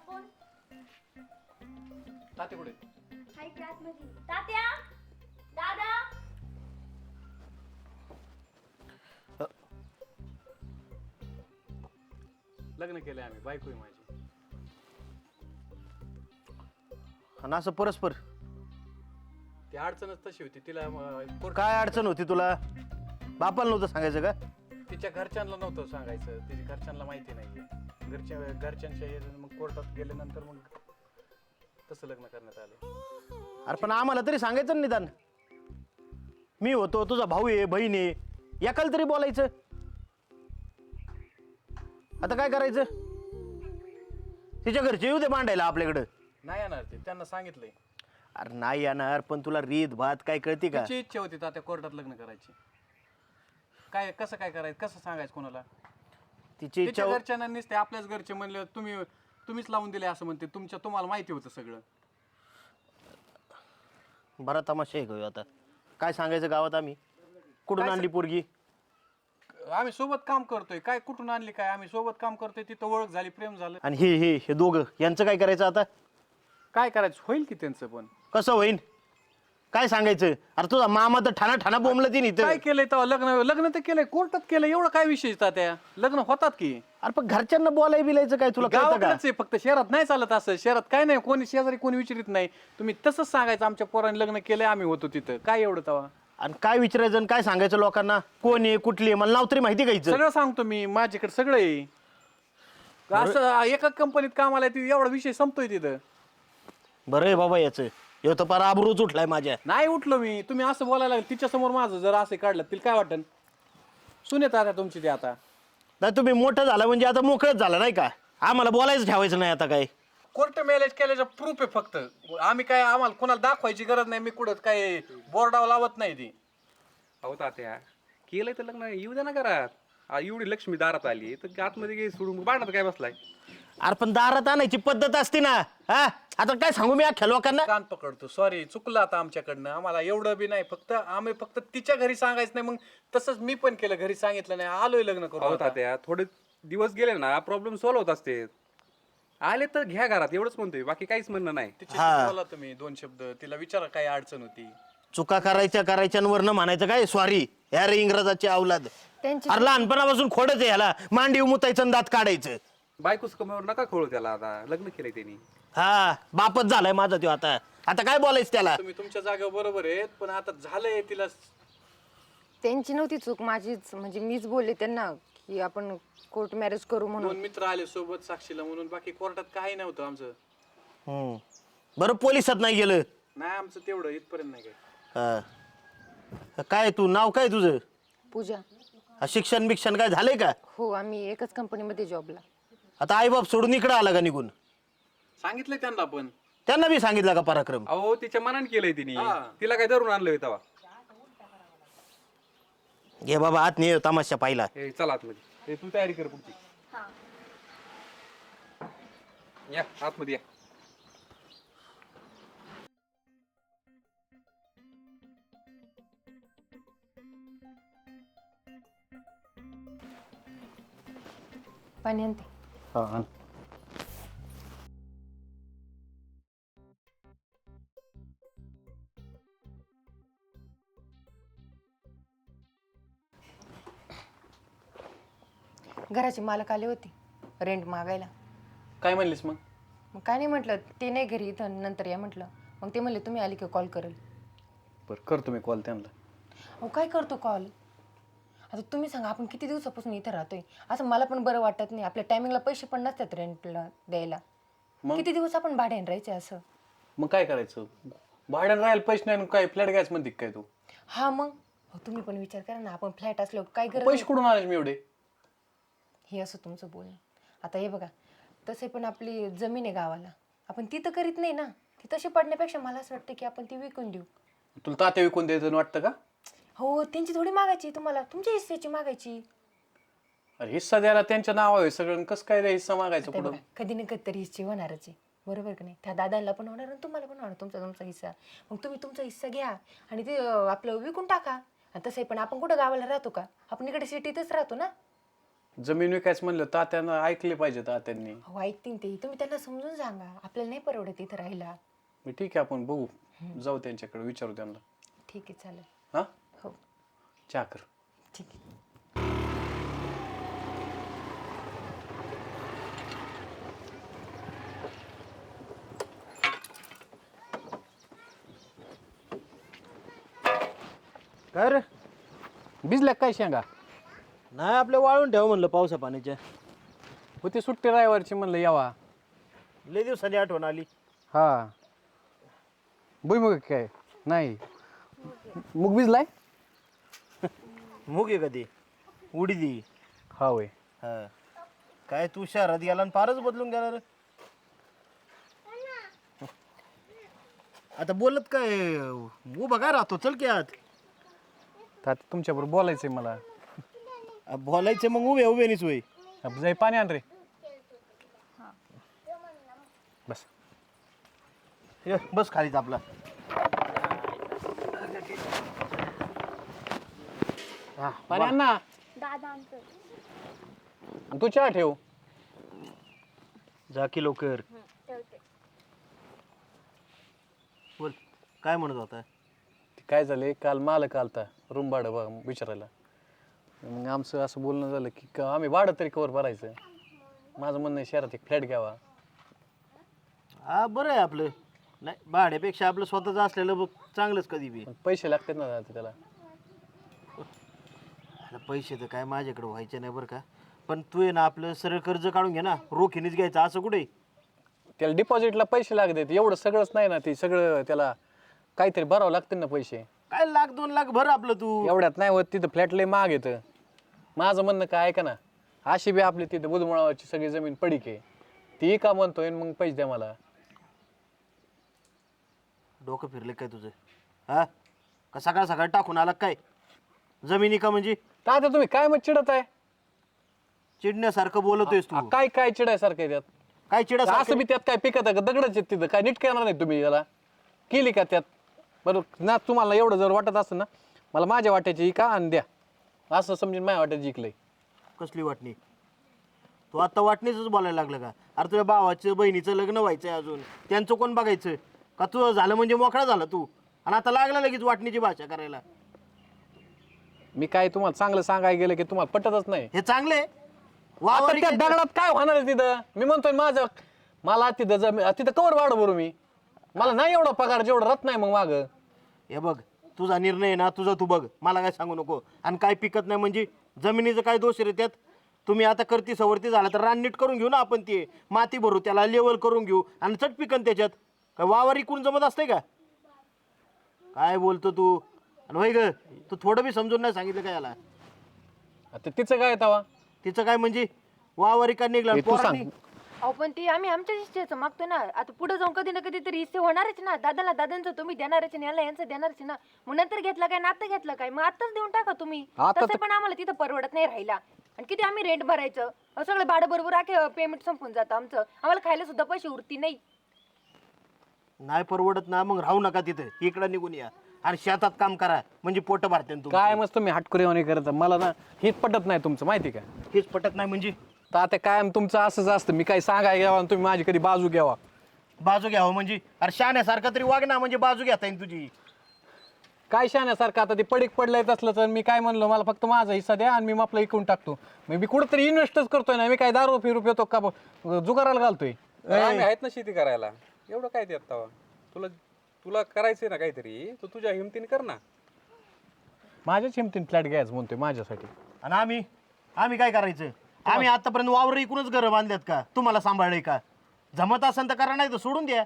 Phone ताते कुठे? हाय class मध्ये. तात्या, दादा. लग्न केलंय आम्ही, बायको आहे माझी. आणि असं परस्पर ती अडचणच तशी होती तिला काय अडचण होती तुला? बापाला नव्हतं सांगायचं का? तिच्या घरच्यांना नव्हतं सांगायचं, तिच्या घरच्यांना माहिती नाहीये. घरच्यांच्या मग कोर्टात गेल्यानंतर मग तसं लग्न करण्यात आलं. अरे पण आम्हाला तरी सांगायचं ना निदान. मी होतो, तुझा भाऊ आहे, बहीण आहे, एकाला तरी बोलायचं. आता काय करायचं? तिच्या घरचे येऊ दे मांडायला आपल्याकडं. नाही येणार ते, त्यांना सांगितलंय. अरे नाही येणार, पण तुला रीत भात काय कळते का? तिची इच्छा होती त्या कोर्टात लग्न करायची. काय कसं काय करायचं, कसं सांगायचं कोणाला? तिची इच्छा तिच्या घरच्यांना नसते, आपल्याच घरचे म्हणले तुम्हीच लावून दिले असं म्हणते. तुम्हाला माहिती होतं सगळं. बरा तमाशा आहे का आता? काय सांगायचं गावात आम्ही? कुठून आणली पोरगी? आम्ही सोबत काम करतोय. काय कुठून आणली काय? आम्ही सोबत काम करतोय, तिथं ओळख झाली, प्रेम झालं. आणि हे दोघं यांचं काय करायचं आता? काय करायचं होईल की त्यांचं पण. कसं होईन? काय सांगायचं? अरे तुझा मामा तर ठाणा ठाणा बोंबलं ती नाही. काय केलंय तेव्हा? लग्न तर केलंय, कोर्टात केलंय. एवढं काय विशेष त्या लग्न होतात की. अरे पण घरच्यांना बोलाय बिलायचं काय तुला कळतं का? गावाकडेच आहे फक्त, शहरात नाही चालत असं. शहरात काय नाही, कोणी शेजारी कोणी विचारित नाही. तुम्ही तसंच सांगायचं आमच्या पोरांनी लग्न केलंय, आम्ही होतो तिथं. काय एवढं तेव्हा? आणि काय विचारायचं आणि काय सांगायचं लोकांना? कोण आहे, कुठली आहे, मला नाव तरी माहिती घ्यायचं. सगळं सांगतो मी, माझ्याकडे सगळं आहे. असं एका कंपनीत कामाला आहे, एवढा विषय संपतोय तिथं. बरं आहे बाबा याचं. ह्यो तर फार आबरूच उठलाय माझ्या. नाही उठलो मी. तुम्ही असं बोलायला लागले तिच्या समोर, माझं जर असं काढलं तिला काय वाटन? सुनेत आता तुमची ते आता. नाही तुम्ही मोठं झाला म्हणजे आता मोकळच झाला नाही का? आम्हाला बोलायचं ठेवायचं नाही आता काय. कोर्ट मॅरेज केल्याचं प्रूफ आहे फक्त. आम्ही काय, आम्हाला कोणाला दाखवायची गरज नाही. मी कुठं काय बोर्डावर लावत नाही ती. अहो तात्या, केलंय तर लग्न येऊ द्या ना घरात. एवढी लक्ष्मी दारात आली तर आतमध्ये काही सोडून बांधत काय बसलाय? अरे पण दारात आणायची पद्धत असते ना. हा आता काय सांगू मी अख्ख्या लोकांना? कान पकडतो. सॉरी, चुकलं आता आमच्याकडनं. आम्हाला एवढं बी नाही. आम्ही फक्त तिच्या घरी सांगायचं नाही. मग तसंच मी पण केलं, घरी सांगितलं नाही, आलोय लग्न अहो करू. तात्या, थोडे दिवस गेले ना प्रॉब्लेम सॉल्व्ह होत असते. आले तर घ्या घरात, एवढंच म्हणतोय, बाकी काहीच म्हणणं नाही. तिच्याशी बोला तुम्ही दोन शब्द, तिला विचारा काय अडचण होती. चुका करायच्यावरनं म्हणायचं काय सॉरी ह्या रे इंग्रजाची अवलाद. अरे लहानपणापासून खोडच आहे ह्याला. मांडी मुतायचं आणि दात काढायचं. बायकोच कमावर नका खोळू त्याला. आता लग्न केलंय त्यांनी. हा बापच झालाय माझा तो. आता काय बोलायचं त्याला? तुम्ही तुमच्या जागेवर बरोबर आहेत, पण आता झालंय तिला. त्यांची नव्हती चूक, माझीच. म्हणजे मीच बोलले त्यांना की आपण कोर्ट मॅरेज करू म्हणून. दोन मित्र आले सोबत साक्षीला म्हणून, बाकी कोर्टात काही नव्हतं आमचं. बरं पोलिसात नाही गेलं? नाही आमचं तेवढं इथपर्यंत नाही काय. काय तू नाव काय तुझं? पूजा. शिक्षण बिक्षण काय झालंय का? हो, आम्ही एकच कंपनीमध्ये जॉबला. आता आई बाप सोडून इकडे आला का निघून? सांगितलंय त्यांना पण. त्यांना बी सांगितलं का पराक्रम? अहो तिच्या मनाने केलंय तिने. तिला काय धरून आणलंय तेव्हा? घे बाबा आत नाही तमाशा पाहिला. चला आतमध्ये. तू तयारी कर पुढची. या आतमध्ये या. पाणी आणते. घराचे मालक आले होते रेंट मागायला. काय म्हणलीस मग? मग काय नाही म्हटलं, ते नाही घरी, इथं नंतर या म्हटलं. मग ते म्हणले तुम्ही आली की कॉल करेल. बरं करतो मी कॉल त्यांना. अहो काय करतो कॉल? आता तुम्ही सांगा, आपण किती दिवसापासून इथं राहतोय. असं मला पण बरं वाटत नाही. आपल्या टायमिंगला पैसे पण नसतात रेंटला द्यायला. किती दिवस आपण भाड्याने राहायचे असं? मग काय करायचं? भाड्यानं राहायला पैसे नाही, काय फ्लॅट घ्यायच म्हणते काय तू? हा मग तुम्ही पण विचार करा ना, आपण फ्लॅट असलो काय गरज पैसे कुठून आले मी एवढे? हे असं तुमचं बोलणं. आता हे बघा, तसे पण आपली जमीन आहे गावाला, आपण ती तर करीत नाही ना. ती तशी पडण्यापेक्षा मला असं वाटतं की आपण ती विकून देऊ. तुला तात्या विकून द्यायचं वाटतं का? हो, त्यांची थोडी मागायची तुम्हाला, तुमच्या हिस्सेची मागायची. अरे हिस्सा द्यायला त्यांच्या नाव आहे सगळं, कसं काय हिस्सा मागायचं पुढं? कधी ना कधी तरी हिस्से होणारच आहे, बरोबर का नाही? त्या दादांना पण होणार आणि तुम्हाला पण होणार तुमचा हिस्सा. मग तुम्ही तुमचा हिस्सा घ्या आणि ते आपलं विकून टाका. आणि तसंही पण आपण कुठं गावाला राहतो का? आपण इकडे सिटीतच राहतो ना. जमीन विकायचं म्हणलं तात्यानं ऐकले पाहिजे तात्यांनी. हो ऐकतील ते, तुम्ही त्यांना समजून सांगा आपल्याला नाही परवडत इथं राहायला. मी ठीक आहे आपण बघू, जाऊ त्यांच्याकडे विचारू त्यांना. ठीक आहे चालेल. हा हो चहा कर. ठीक आहे. काय रे? भिजल्या काय शेंगा? नाही आपल्या वाळून ठेव म्हणलं पावसा पाण्याच्या. होती सुट्टी रायवारची म्हणलं यावा. लय दिवसांनी आठवण आली. हा भुईमुग काय नाही, मुग भिजलाय. मूग आहे कधी उडीदी. हा होय. हा काय तू शहरात गेला आणि फारच बदलून गेला रे. आता बोलत काय उभा काय राहतो, चल की आत. तात्या तुमच्याबरोबर बोलायचंय मला. बोलायचं मग उभे उभे नाहीच वय. जाई पाणी आण रे. बस ये, बस खालीच आपला. हा पाणी आण ना. दादा आणतोय. आणि तू चहा ठेव. जा की लवकर. ठेवते. बोल काय म्हणत होता. काय झालंय, काल मालक आलता रूम भाडं बघ विचारायला. मग आमचं असं बोलणं झालं की आम्ही भाडं तरी कवर भरायचं. माझं म्हणणं आहे शहरात एक फ्लॅट घ्यावा. हा बरं आहे आपलं. नाही भाड्यापेक्षा आपलं स्वतःचं असलेलं बघ चांगलंच कधी बी. पण पैसे लागतात ना आता त्याला. आता पैसे तर काय माझ्याकडे व्हायचे नाही बरं का. पण तू आहे ना आपलं सरळ कर्ज काढून घे ना, रोखीनेच घ्यायचं असं कुठे. त्याला डिपॉझिटला पैसे लागतात, एवढं सगळंच नाही ना. ते सगळं त्याला काहीतरी भरावं लागतं ना पैसे. काय लाख 2 लाख भर आपलं तू. एवढ्यात नाही होत. तिथं फ्लॅट लय महाग येतं. माझं म्हणणं काय ऐका ना, अशी बी आपली तिथं बुधमुळावरची सगळी जमीन पडीक आहे, ती का म्हणतोय मग पैसे द्या मला. डोकं फिरले काय तुझं. हा का सकाळ सकाळ टाकून आला काय जमिनी का म्हणजे. आता तुम्ही काय मग चिडत आहे. चिडण्यासारखं बोलतोयस तू. काय काय चिडायसारखं आहे त्यात. काय चिडा असं बी त्यात काय पिकत आहे का, दगडच आहेत तिथं. काय नीट करणार नाही तुम्ही याला, केली का त्यात. बरं ना, तुम्हाला एवढं जर वाटत असेल ना, मला माझ्या वाट्याची का आणि द्या, असं समजून माझ्या वाट्याची जिंकलंय. कसली वाटणी. तू आता वाटणीच बोलायला लागलं का. अरे तुझ्या भावाचं बहिणीचं लग्न व्हायचंय अजून, त्यांचं कोण बघायचं का. तू झालं म्हणजे मोकळा झाला तू, आणि आता लागला लगेच वाटणीची भाषा करायला. मी काय तुम्हाला चांगलं सांगायला गेलं की तुम्हाला पटतच नाही. हे चांगले आता त्या दगडात काय होणार आहे तिथं. मी म्हणतोय माझं मला तिथं तिथं कवर वाढ भरू मी. मला नाही एवढा पगार जेवढं रत नाही मग माग. हे बघ तुझा निर्णय ना, तुझा तू बघ, मला काय सांगू नको. आणि काय पिकत नाही म्हणजे जमिनीचं काय दोष रे त्यात. तुम्ही आता करती सवरती झाला तर रान नीट करून घेऊ ना आपण, ते माती भरू, त्याला लेवल करून घेऊ आणि चट पिकन त्याच्यात. काय वावर इकून जमत असते का. काय बोलतो तू. आणि होय ग, तू थोडं बी समजून नाही सांगितलं काय याला. आता तिचं काय तवा. तिचं काय म्हणजे वावर इका निघला. तू सांग. अहो पण ते आम्ही आमच्या हिस्सेचं मागतो ना. आता पुढे जाऊन कधी ना कधी तरी हिस्से होणारच ना. दादाला दादांचं तुम्ही देणारच ना, याला यांचं देणारच ना. मग नंतर घेतला काय, नातं घेतलं काय, मग आताच देऊन टाका तुम्ही. तसं पण आम्हाला तिथं परवडत नाही राहिला. आणि किती आम्ही रेंट भरायचं, सगळं भाडं बरोबर आखे पेमेंट संपून जातं आमचं. आम्हाला खायला सुद्धा पैसे उरती नाही. नाही परवडत ना, मग राहू नका तिथे, इकडं निघून या आणि शेतात काम करा, म्हणजे पोट भरते. काय मस्त तुम्ही हटकुरे करत. मला ना हेच पटत नाही तुमचं, माहिती का. हेच पटत नाही म्हणजे. तर आता काय तुमचं असंच असतं. मी काही सांगायला घ्यावा आणि तुम्ही माझी कधी बाजू घ्यावा. बाजू घ्यावं म्हणजे. अरे शाण्यासारखं तरी वाग ना, म्हणजे बाजू घेता येईल तुझी. काय शाण्यासारखं. आता ते पडीक पडलंय असलं तर मी काय म्हणलो, मला फक्त माझा हिस्सा द्या आणि मी आपला इकून टाकतो. मी कुठंतरी इन्व्हेस्टच करतोय ना. मी काय दारू फिरू पितो का जुगाराला घालतोय. आम्ही आहेत ना शेती करायला. एवढं काय त्यात तवा. तुला तुला करायचंय ना काहीतरी, तर तुझ्या हिमतीने कर ना. माझ्याच हिमतीने फ्लॅट घ्यायचं म्हणतोय माझ्यासाठी. आणि आम्ही काय करायचं. आम्ही आतापर्यंत वावर इकूनच घरं बांधल्यात का, तुम्हाला सांभाळलंय का. जमत असेल तर करा, नाही तर सोडून द्या.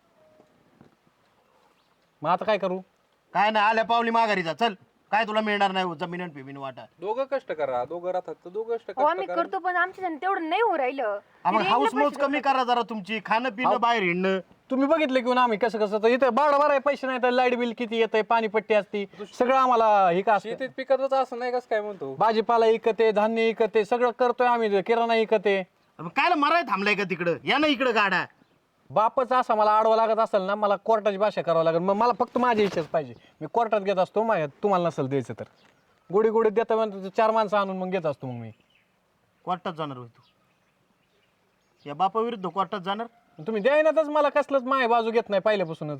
मग आता काय करू. काय नाही, आल्या पावली माघारी जा. चल, काय तुला मिळणार नाही जमीन आणि पिमीन वाटा. दोघं कष्ट करा, दोघं राहतात तर दोघं कष्ट हो आम्ही करा. करतो पण आमच्या तेवढं नाही हो राहिलं. मग हाऊस मौज कमी करा जरा तुमची. खाणं पिणं बाहेर हिंडणं. तुम्ही बघितलं की आम्ही कसं कसं तर इथं भाडं भराय पैसे नाही तर लाईट बिल किती येतंय, पाणीपट्टी असती, सगळं आम्हाला हे का असतं. शेतीत पिकतच असं नाही कसं काय म्हणतो. भाजीपाला इकते, धान्य इकते, सगळं करतोय आम्ही, किराणा इकते. काय मराय थांबलाय का तिकडं. या ना इकडं गाडा. बापच असा मला आडवा लागत असेल ना, मला कोर्टाची भाषा करावं लागेल. मग मला फक्त माझ्या इच्छाच पाहिजे. मी कोर्टात घेत असतो, तुम्हाला नसेल द्यायचं तर गोडी गोडी देता म्हणतो 4 माणसं आणून मग घेत असतो. मग मी कोर्टात जाणार होय तू? या बापाविरुद्ध कोर्टात जाणार? तुम्ही द्यायनातच मला कसलंच माय बाजू घेत नाही पहिल्यापासूनच.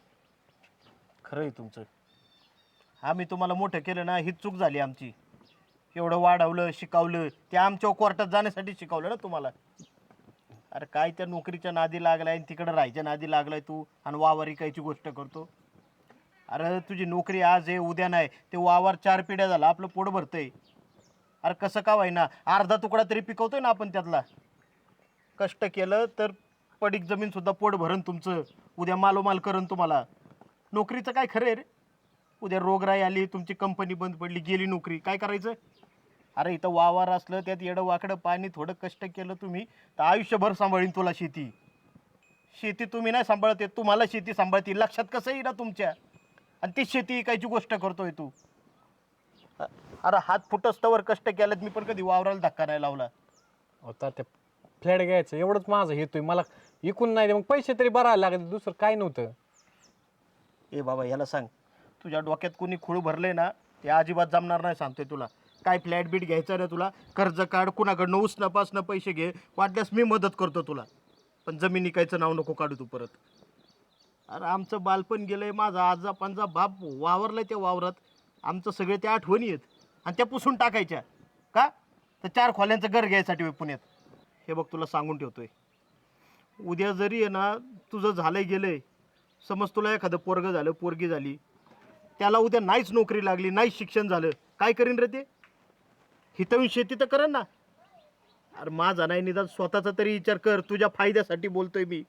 खरं आहे तुमचं. आम्ही तुम्हाला मोठं केलं ना, हीच चूक झाली आमची. एवढं वाढवलं शिकवलं, ते आमच्या कोर्टात जाण्यासाठी शिकवलं ना तुम्हाला. अरे काय त्या नोकरीच्या नादी लागलाय, तिकडं राहायच्या नादी लागलाय तू, आणि वावर इकायची गोष्ट करतो. अरे तुझी नोकरी आज आहे उद्या नाही, ते वावर 4 पिढ्या झाला आपलं पोट भरतंय. अरे कसं का व्हायना, अर्धा तुकडा तरी पिकवतोय ना आपण त्यातला. कष्ट केलं तर पडीक जमीन सुद्धा पोट भरण तुमचं, उद्या मालोमाल करण तुम्हाला. नोकरीचं काय खरं आहे रे? उद्या रोगराई आली, तुमची कंपनी बंद पडली, गेली नोकरी, काय करायचं? अरे इथं वावर असलं, त्यात येडं वाकडं पाणी, थोडं कष्ट केलं तुम्ही तर आयुष्यभर सांभाळीन तुला शेती. शेती तुम्ही नाही सांभाळते, तुम्हाला शेती सांभाळते. लक्षात कसं येईल ना तुमच्या? आणि ती शेती इकायची गोष्ट करतोय तू. अरे हात फुटस्तवर कष्ट केलं, मी पण कधी वावराला धक्का नाही लावला. होता ते फ्लॅट घ्यायचं एवढंच माझं हेतोय. मला इकून नाही मग पैसे तरी भरायला लागले, दुसरं काय नव्हतं. ए बाबा याला सांग, तुझ्या डोक्यात कोणी खूळ भरले ना, ते अजिबात जमणार नाही सांगतोय तुला. काय फ्लॅट बीट घ्यायचं ना तुला, कर्ज काढ, कुणाकडनं उसणं पैसे घे, वाटल्यास मी मदत करतो तुला. पण जमीन इकायचं नाव नको काढू तू परत. अरे आमचं बालपण गेलंय, माझा आजा पंजा बाप वावरलाय त्या वावरात, आमचं सगळे त्या आठवणी आहेत, आणि त्या पुसून टाकायच्या का? तर 4 खोल्यांचं घर घ्यायसाठी होय पुण्यात. हे बघ तुला सांगून ठेवतोय, उद्या जरी आहे ना तुझं झालंय गेलंय, समज तुला एखादं पोरगं झालं, पोरगी झाली, त्याला उद्या नाहीच नोकरी लागली, नाहीच शिक्षण झालं, काय करीन रे ते? हितवून शेती तर करेन ना. अरे माझा नाही, निदान स्वतःचा तरी विचार कर, तुझ्या फायद्यासाठी बोलतोय मी.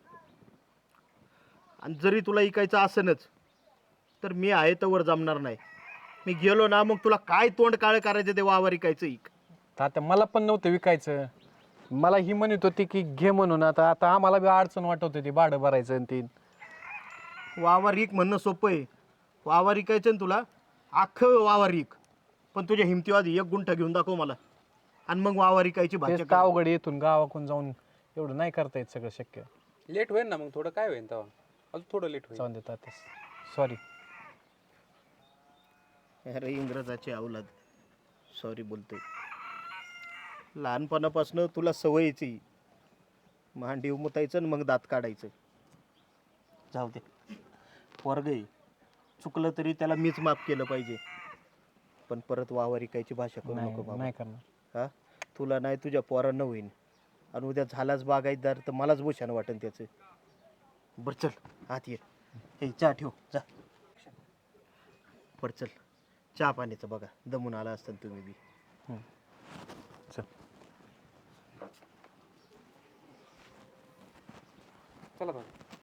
आणि जरी तुला इकायचं असेनच तर मी आहे तर जमणार नाही. मी गेलो ना मग तुला काय तोंड काळं करायचं ते वावर इकायचं इक. आता मला पण नव्हतं विकायचं, मला ही म्हणत होती की घे म्हणून. आता आता आम्हाला बी अडचण वाटत होती भाडं भरायचं आणि ते. वावर इक म्हणणं सोपं आहे, वावर इकायचं ना तुला, अख्खं वावर इक, पण तुझ्या हिमतीवादी 1 गुंठा घेऊन दाखव मला, आणि मग वावर इकायची भाषा तेच अवघड, येथून गावाकडून जाऊन एवढं नाही करता येत सगळं शक्य. लेट होईल ना मग, थोडं काय होईल तेव्हा, अजून थोडं लेट होईल. जाऊन देतात. सॉरी. अरे इंग्रजाची अवलाद, सॉरी बोलतोय. लहानपणापासून तुला सवयीची, मांडी उमतायचं आणि मग दात काढायचं. जाऊ दे, वर्ग आहे, चुकलं तरी त्याला मीच माफ केलं पाहिजे. पण परत वावर इकायची भाषा करू नको बाबा. नाही करणार. हा, तुला नाही तुझ्या पोरांना होईन, आणि उद्या झालाच बागायतदार तर मलाच भूषण वाटेल त्याचं. बरं चल आत ये, हे चहा ठेव जा. बरं चल, चहा पाण्याचं बघा, दमून आला असताना तुम्ही बी. चल. चला बघा.